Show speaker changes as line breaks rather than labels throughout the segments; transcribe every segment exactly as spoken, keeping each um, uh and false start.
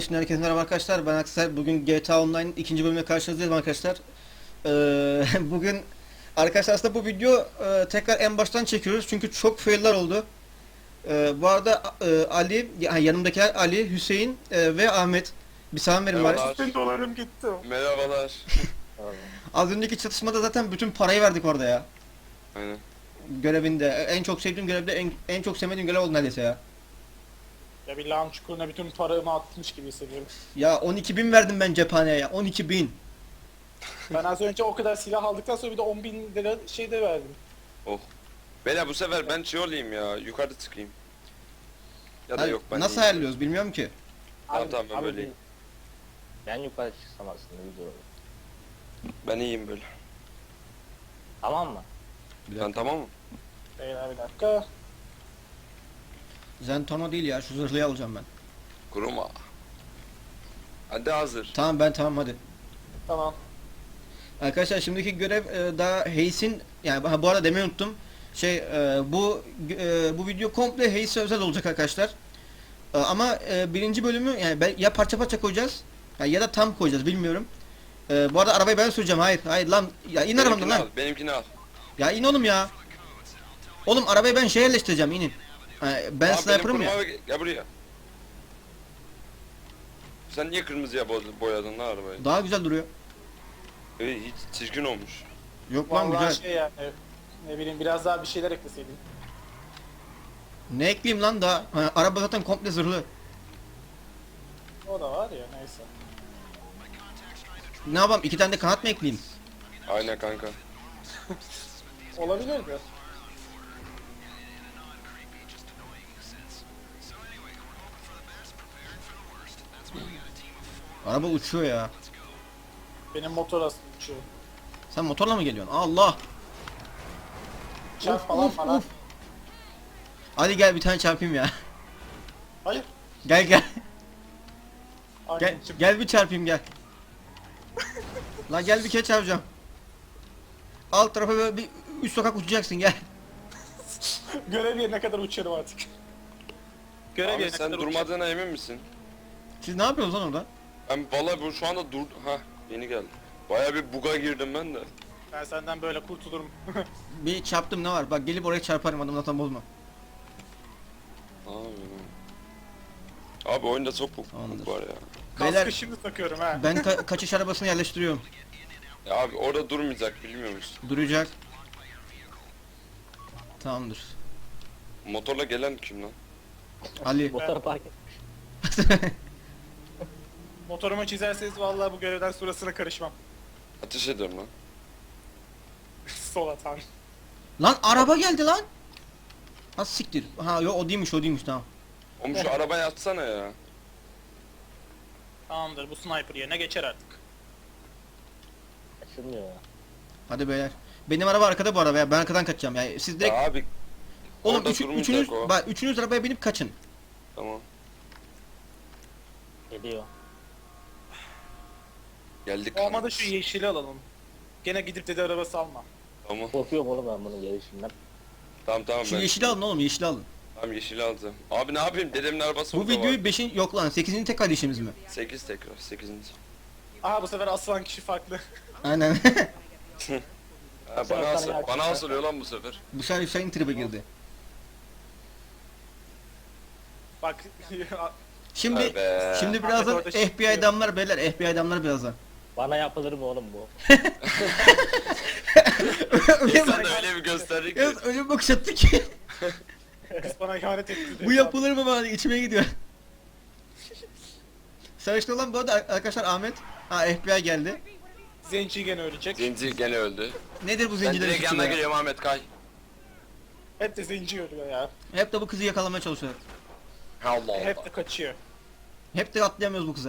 Şimdi herkese merhaba arkadaşlar. Ben Aksel. Bugün G T A Online ikinci bölümle karşınızdayız arkadaşlar. Ee, bugün arkadaşlar aslında bu video e, tekrar en baştan çekiyoruz çünkü çok failler oldu. Ee, bu arada e, Ali, yani yanımdakiler Ali, Hüseyin e, ve Ahmet. Bir selam verin bari.
Merhabalar.
Bin dolarım gitti.
Merhabalar.
Az önceki çatışmada zaten bütün parayı verdik orada ya.
Aynen.
Görevinde. En çok sevdiğim görevde en, en çok sevmediğim görev oldu neredeyse ya.
Ya bir lağım çukuruna bütün paramı atmış gibi hissediyorum.
Ya on iki bin verdim ben cephaneye ya. on iki bin.
Ben az önce o kadar silah aldıktan sonra bir de on bin lira şey de verdim.
Oh. Beyler bu sefer ben şey olayım ya. Yukarıda çıkayım. Ya da
Hayır,
yok ben
nasıl
iyiyim.
ayarlıyoruz bilmiyorum ki.
Tamam,
Abi-
tamam, ben
abi
böyleyim.
Ben yukarı çıksam aslında güzel olur.
Ben iyiyim böyle.
Tamam mı?
Sen tamam mı?
Beyler bir dakika.
Zentorno değil ya, şu zırhlıyı alacağım ben.
Kuruma. Hadi hazır.
Tamam ben tamam hadi.
Tamam.
Arkadaşlar şimdiki görev e, daha Hayes'in, yani ha, bu arada demeyi unuttum. Şey e, bu e, bu video komple Hayes'e özel olacak arkadaşlar. E, ama e, birinci bölümü yani ben, ya parça parça koyacağız ya, ya da tam koyacağız bilmiyorum. E, bu arada arabayı ben süreceğim. Hayır hayır lan, ya in arabamdan
Benimkini
lan.
al. Benimkini al.
Ya in oğlum ya. Oğlum arabayı ben şey yerleştireceğim, inin. Ha, ben
Abi,
sniper'ım
benim
ya.
kuruma- Gel buraya. Sen niye kırmızıya boz- boyadın lan arabayı?
Daha güzel duruyor.
Ee, hiç çirkin olmuş.
Yok lan
Vallahi
güzel.
şey yani ne bileyim biraz daha bir şeyler ekleseydim.
Ne ekleyeyim lan daha? Ha, araba zaten komple zırhlı.
O da var ya neyse.
Ne yapalım? İki tane de kanat mı ekleyeyim?
Aynen kanka.
Olabilirdi.
Araba uçuyor ya.
Benim motor aslında uçuyor.
Sen motorla mı geliyorsun? Allah.
Çarp
Of,
falan
of,
bana.
of. Hadi gel bir tane çarpayım ya.
Hayır.
Gel gel. Gel,
Anneciğim.
gel bir çarpayım gel. Lan gel bir kere çarpacağım. Alt tarafa böyle bir üç sokak uçacaksın gel.
Görev yerine kadar uçarım artık. Görev
Abi
yerine
sen
kadar uçarım.
durmadığına emin misin?
Siz ne yapıyorsunuz lan orada?
Ben vallahi bu şu anda dur... Hah yeni geldi. Baya bir buga girdim ben de.
Ben senden böyle kurtulurum.
Bir çarptım, ne var? Bak gelip oraya çarparım, adam zaten bozma.
Abi, abi oyunda çok bug,
Tamamdır.
bug var ya.
Beyler
Kaskı şimdi takıyorum ha.
ben ka- kaçış arabasını yerleştiriyorum.
Ya abi orada durmayacak bilmiyor musun?
Duracak. Tamamdır.
Motorla gelen kim lan?
Ali.
Motor park et.
Motorumu çizerseniz vallahi bu görevden sonrasına karışmam.
Ateş ediyorum lan.
Sol atan.
Lan araba geldi lan. Ha siktir. Ha yok o değilmiş, o değilmiş, tamam.
Oğlum şu arabaya atsana ya.
Tamamdır bu sniper yerine geçer artık.
Açılmıyor ya.
Hadi beyler. Benim araba arkada bu araba ya. Ben arkadan kaçacağım ya. Siz direkt
Ya abi.
oğlum
orada
üçü-
durmayacak
üçünüz
o.
bak üçünüz arabaya binip kaçın.
Tamam.
Geliyor.
Geldik.
Olmadı şu yeşili alalım. Gene gidip dedi arabası alma.
Tamam.
Korkuyorum oğlum ben bunun gelişinden.
Tamam tamam
Şu
ben.
yeşili alın oğlum, yeşili alın.
Tamam yeşili alacağım. Abi ne yapayım? Dedemin arabası
Bu
burada
videoyu
var.
beşin yok lan sekizinci tekrar işimiz mi?
sekiz tekrar. sekizinci.
Aha bu sefer asılan kişi farklı.
Aynen.
Ha,
Sen
bana
sana
asıl,
yak-
bana asılıyor lan bu sefer.
Bu sefer Hüseyin tribe girdi.
Bak
Şimdi
Vay be.
şimdi birazdan
Ahmet orada
F B I
çıkıyor.
adamlar beyler, F B I adamlar birazdan.
Bana yapılır mı oğlum bu?
öyle
İnsan
bak.
da öyle bir gösterir ki.
Yalnız öyle bir bakış attı ki.
kız bana ihanet etti.
Bu yapılır mı bana, içime gidiyor. Sarışın olan bu arada arkadaşlar Ahmet. Ha F B I geldi.
Zenci gene ölecek.
Zenci gene öldü.
Nedir bu
Ben
zencilerin
direkt
suçu
yanına
ya?
geliyorum Ahmet kay.
Hep de zenci ölüyor ya.
Hep de bu kızı yakalamaya çalışıyorlar.
Allah Allah.
Hep de kaçıyor.
Hep de atlayamıyoruz bu kıza.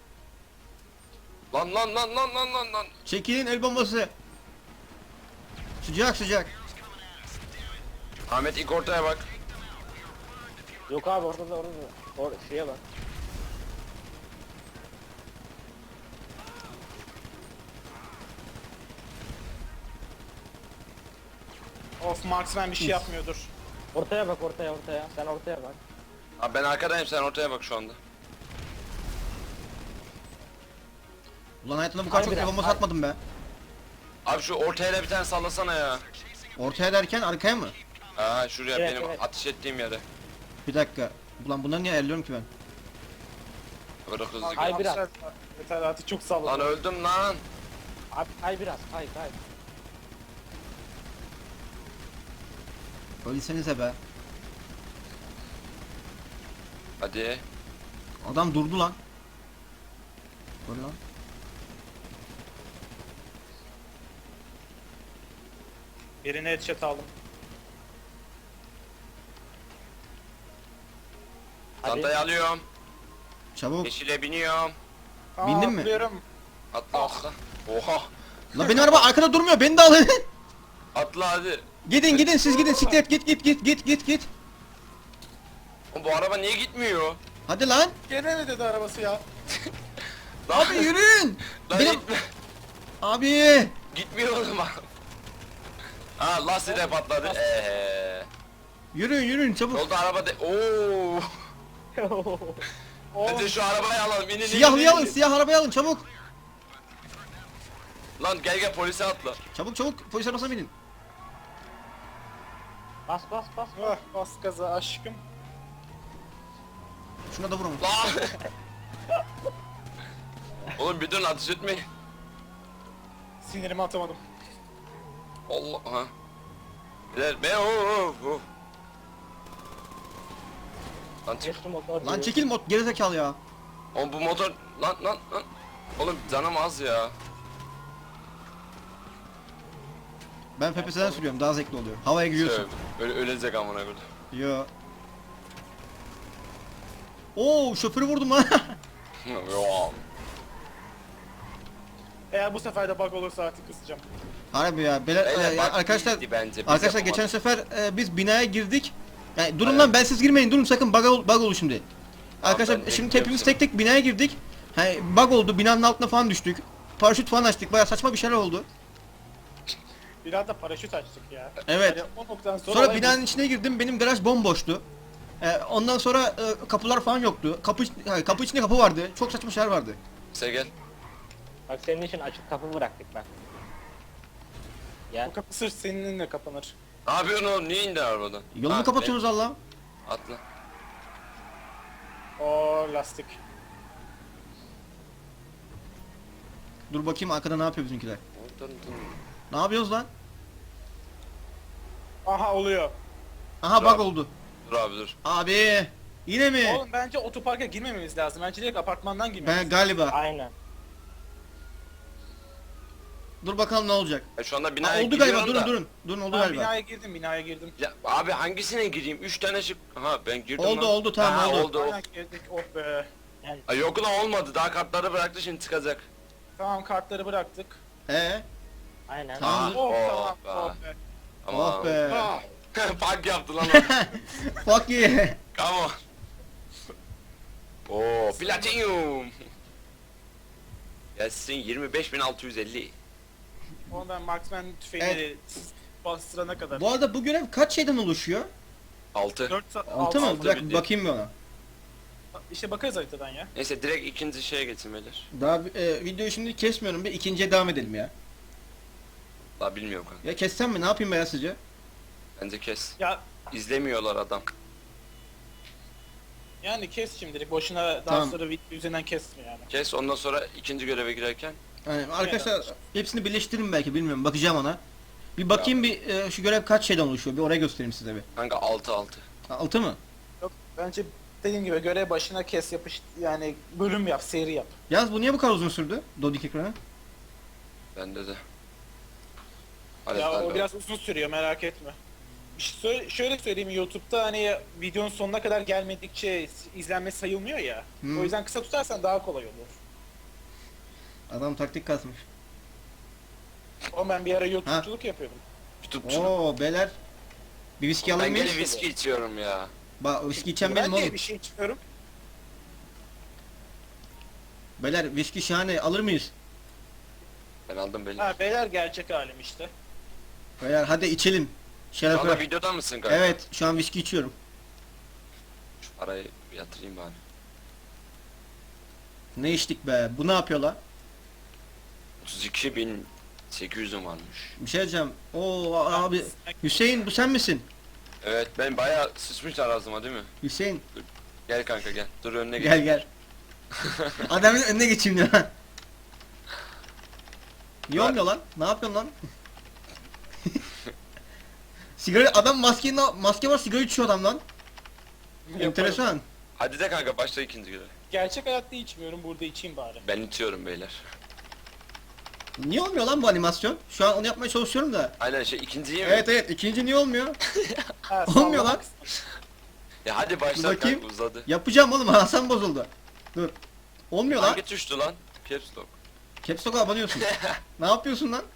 Lan lan lan lan lan lan lan.
Çekilin, el bombası. Sıcak sıcak.
Ahmet ilk ortaya bak.
Yok abi orada da orada da. Or şeye bak.
Of Marksman bir şey yapmıyordur.
Ortaya bak ortaya ortaya. Sen ortaya bak.
Abi ben arkadayım sen ortaya bak şu anda.
Ulan hayatımda bu kadar çok
Harbiden,
kafama
hay-
satmadım be.
Abi şu ortaya da bir tane sallasana ya.
Ortaya derken arkaya mı?
Ha şuraya
Evet,
benim
evet.
ateş ettiğim yere.
Bir dakika. Ulan bunları niye ayarlıyorum ki ben?
Böyle hızlı.
Ay, biraz.
Yeter artık çok salladım.
Lan öldüm lan.
Abi kay biraz kay kay.
Ölsenize be.
Hadi.
Adam durdu lan. Öyle lan.
Birine headshot aldım.
Hadi.
Çantayı alıyorum.
Çabuk.
Yeşile biniyorum.
Aa,
Bindin mi?
atlıyorum.
Atla atla. Oha.
Lan benim araba arkada durmuyor. Beni de alın.
Atla hadi.
Gidin gidin siz gidin. Siklet git git git git git git.
Oğlum bu araba niye gitmiyor?
Hadi lan.
Gene mi dedi arabası ya?
Lan,
Abi yürüyün.
lan
Benim
gitme.
abi.
Gitmiyor oğlum. Ha lastiği de patladı. Eee.
Yürüyün yürüyün çabuk.
Yolda araba de. Oo.
Oğlum
Hadi şu arabayı alalım. İnin, inin,
Siyahlıyı
inin,
alın,
inin.
siyah arabayı alın çabuk.
Lan gel gel polise atla.
Çabuk çabuk polis arabasına binin.
Bas bas bas.
ah, bas gaza aşkım.
Şuna da vurun.
Lan. Oğlum bir dön ateş etmeyin.
Sinirimi atamadım.
Allah ha. Biler be o o o. Lan çık.
Geçtim motor.
Lan çekil mod gerizekalı ya.
Oğlum bu motor lan lan lan. Oğlum canım az ya.
Ben F P S'den sürüyorum daha zevkli oluyor. Havaya giriyorsun.
Öyle ölecek amına koyayım.
Yo. Oo şoförü vurdum lan.
Yo.
Eğer bu sefer de bug olursa artık kısacağım.
Harbi ya. Beyler,
Beyler,
e,
bak
arkadaşlar
iyiydi bence, biz
arkadaşlar
yapamadık.
geçen sefer e, biz binaya girdik. Yani durun
Evet.
lan ben siz girmeyin durun sakın bug, ol, bug olur şimdi. Arkadaşlar
ben
şimdi
bekliyorum
hepimiz
seni.
tek tek binaya girdik. Hani bug oldu binanın altına falan düştük. Paraşüt falan açtık baya saçma bir şeyler oldu.
Biraz da paraşüt açtık ya.
Evet.
Yani o noktadan sonra,
Sonra
olay
binanın içine girdim benim garaj bomboştu. E, ondan sonra e, kapılar falan yoktu. Kapı hayır, kapı içinde kapı vardı. Çok saçma şeyler vardı.
Sen gel.
Bak senin için açık kapı bıraktık bak.
bu.
Gel.
Bu kapı sırf seninle kapanır.
Ne yapıyorsun oğlum? Niye indin arabadan?
Yolumu
Ha,
kapatıyorsunuz Allah.
ne? Atla.
O lastik.
Dur bakayım arkada ne yapıyor bizimkiler. Ne yapıyoruz lan?
Aha oluyor.
Aha
Bravo.
bug oldu.
Dur abi dur.
Abi yine mi?
Oğlum bence otoparka girmememiz lazım. Bence direkt apartmandan girmemiz
Ben galiba.
Aynen.
Dur bakalım ne olacak.
Ya şu anda
Ha,
binaya
oldu galiba
giriyorum
durun
da.
durun. Durun oldu
Ben
galiba.
binaya girdim, binaya girdim.
Ya abi hangisine gireyim? Üç tane şık. Aha ben girdim
Oldu,
lan.
oldu, tamam,
Ha,
oldu.
oldu.
Aynen girdik, oh be.
Ay yok lan olmadı. Daha kartları bıraktı şimdi çıkacak.
Tamam kartları bıraktık.
Ee?
Aynen.
Tamam.
Oh,
Oh
tamam,
be.
oh be.
Oh be.
Ah,
Park yaptı lan.
Fuck yeah.
Come on. Oo platinum. Gelsin yirmi beş bin altı yüz elli.
Onu ben marksman tüfeğini
Evet.
bastırana kadar.
Bu arada bu görev kaç şeyden oluşuyor?
altı.
dört saat,
Altı mı?
altı
Bir dakika
bildiğin.
bakayım bir ona.
İşte bakarız haritadan ya.
Neyse direkt ikinci şeye geçin beyler.
Daha e, videoyu şimdi kesmiyorum bir ikinciye devam edelim ya.
Daha bilmiyorum kanka.
Ya kessem mi ne yapayım be ya sizce?
Bence kes.
Ya
İzlemiyorlar adam.
yani kes şimdilik. Boşuna daha
Tamam.
sonra video üzerinden kesme yani.
Kes ondan sonra ikinci göreve girerken.
Yani arkadaşlar hepsini birleştiririm belki bilmiyorum bakacağım ona. Bir bakayım bir e, şu görev kaç şeyden oluşuyor bir oraya göstereyim size bir.
Kanka altı altı.
Altı mı?
Yok bence dediğim gibi görev başına kes yapış yani bölüm yap, seri yap.
Yalnız bu niye bu kadar uzun sürdü? Dodik ekranı.
Bende de. Hadi
Ya o
kanka.
biraz uzun sürüyor merak etme. Bir şey söyle- şöyle söyleyeyim YouTube'da hani videonun sonuna kadar gelmedikçe izlenme sayılmıyor ya.
Hmm.
O yüzden kısa tutarsan daha kolay olur.
Adam taktik kasmış.
O ben bir ara YouTube'culuk yapıyordum.
Tutupçu.
Oo beyler. Bir viski
Ben
alayım mı?
gene viski içiyorum ya.
Bak viski içen
ben
benim
de
oğlum.
bir şey içmiyorum.
Beyler viski şahane alır mıyız?
Ben aldım beni.
Ha beyler gerçek halim işte.
Beyler hadi içelim.
Şu
Şeref
anda
ver.
videoda mısın kanka?
Evet şu an viski içiyorum.
Şu parayı yatırayım bari.
Ne içtik be? Bu ne yapıyor la?
otuz iki bin sekiz yüzüm varmış.
Bir şey diyeceğim. Oo abi Hüseyin bu sen misin?
Evet ben bayağı sıçmışlar ağzıma değil mi?
Hüseyin
Gel kanka gel. Dur önüne geç.
gel gel. Adamın önüne geçeyim ya. Niye
Var.
olmuyor lan? Ne yapıyorsun lan? Sigara adam maske maske var sigara içiyor adam lan.
Yaparım.
Enteresan.
Hadi de kanka başla ikinci görev.
Gerçek hayatta içmiyorum, burada içeyim bari.
Ben itiyorum beyler.
Niye olmuyor lan bu animasyon? Şu an onu yapmaya çalışıyorum da.
Aynen şey ikinciyi mi?
Evet evet ikinci niye olmuyor?
Ha,
Olmuyor
sallamak
lan.
istedim.
Ya hadi başla
Dur bakayım.
kanka uzadı.
Yapacağım oğlum Hasan bozuldu. Dur. Olmuyor lan.
Hangi tuştu lan? Caps lock.
Caps Lock'a abanıyorsun. Ne yapıyorsun lan?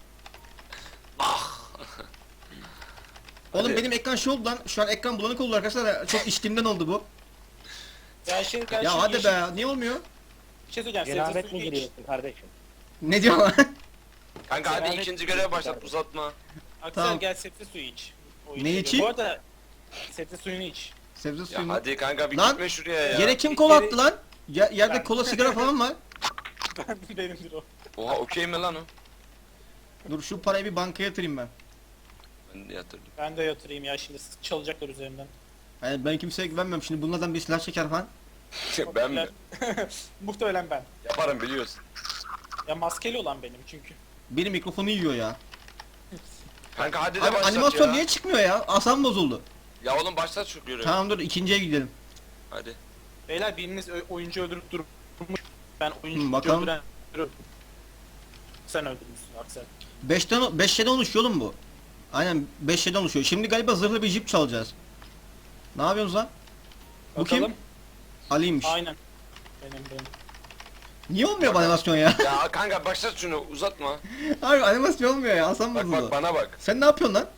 Oğlum
Hadi.
benim ekran şey oldu lan. Şu an ekran bulanık oldu arkadaşlar. Çok içtiğimden oldu bu.
Ya şey, ben
Ya
şey
hadi
yeşil-
be. Niye olmuyor?
Bir şey söyleyeceğim.
Cenabet
sebze
mi
suyu iç.
giriyorsun kardeşim?
Ne diyor lan?
Kanka hadi
Cenabet-
ikinci göreve başlat uzatma.
Aksel
Tamam.
gel sebze suyu iç. O
Ne
içiyor.
içeyim?
Bu arada sebze suyunu iç.
Sebze
Ya
suyu mu?
hadi kanka bir
Lan,
gitme şuraya ya.
Yere kim kola
Yere-
attı lan? Ya, yerde
Ben.
kola sigara falan var.
Ben benimdir o.
Oha okey mi lan o?
Dur şu parayı bir bankaya yatırayım ben.
Ben de yatırdım.
Ben de yatırayım ya, şimdi çalacaklar üzerimden.
Yani ben kimseye güvenmiyorum. Şimdi bunlardan bir silah çeker falan.
ben mi?
Muhtemelen ben.
Yaparım biliyorsun.
Ya maskeli olan benim çünkü.
Benim mikrofonu yiyor ya.
Kanka hadi de
Abi
başlat
animasyon
ya.
niye çıkmıyor ya? Asam bozuldu.
Ya oğlum başlat şu görevi.
Tamam dur ikinciye gidelim.
Hadi.
Beyler biriniz ö- oyuncu öldürüp durmuş. Ben oyuncu
Hı, bakalım.
öldüren... Sen öldürmüşsün Aksel.
beşten beş şeyden oluşuyor oğlum bu. Aynen beş şeyden oluşuyor. Şimdi galiba zırhlı bir jip çalacağız. Ne yapıyorsunuz lan? Bu kim?
Bakalım.
Ali'ymiş.
Aynen. Benim benim.
Niye olmuyor bu animasyon ya?
Ya kanka başlat şunu uzatma.
Abi animasyon olmuyor ya. Asam
Bak
bozuldu.
bak bana bak.
Sen ne yapıyorsun lan?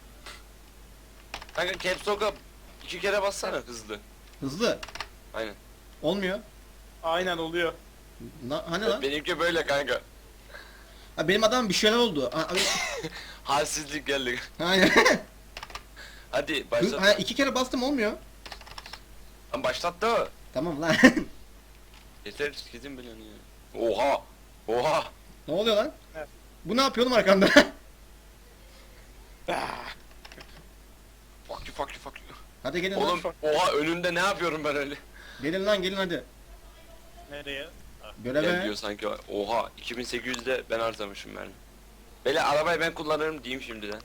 Kanka caps lock'a iki kere bassana hızlı.
Hızlı.
Aynen.
Olmuyor.
Aynen oluyor.
Na, hani lan?
Benimki böyle kanka.
Ha, benim adam bir şeyler oldu. Ha, abi,
Halsizlik geldi.
aynen.
Hadi
Hı,
başlat.
ha, iki kere bastım olmuyor.
Lan başlat da.
Tamam lan.
Yeter gidin bilen ya. Oha. Oha.
Ne oluyor lan?
Evet.
Bu ne yapıyor oğlum arkamda?
Ah,
Fuck you fuck you fuck you.
Hadi gelin
Oğlum
lan.
oha önümde ne yapıyorum ben öyle?
Gelin lan gelin hadi.
nereye?
Gel
Göreve.
diyor sanki. Oha iki bin sekiz yüzde ben harcamışım ben. Böyle arabayı ben kullanırım diyeyim şimdiden.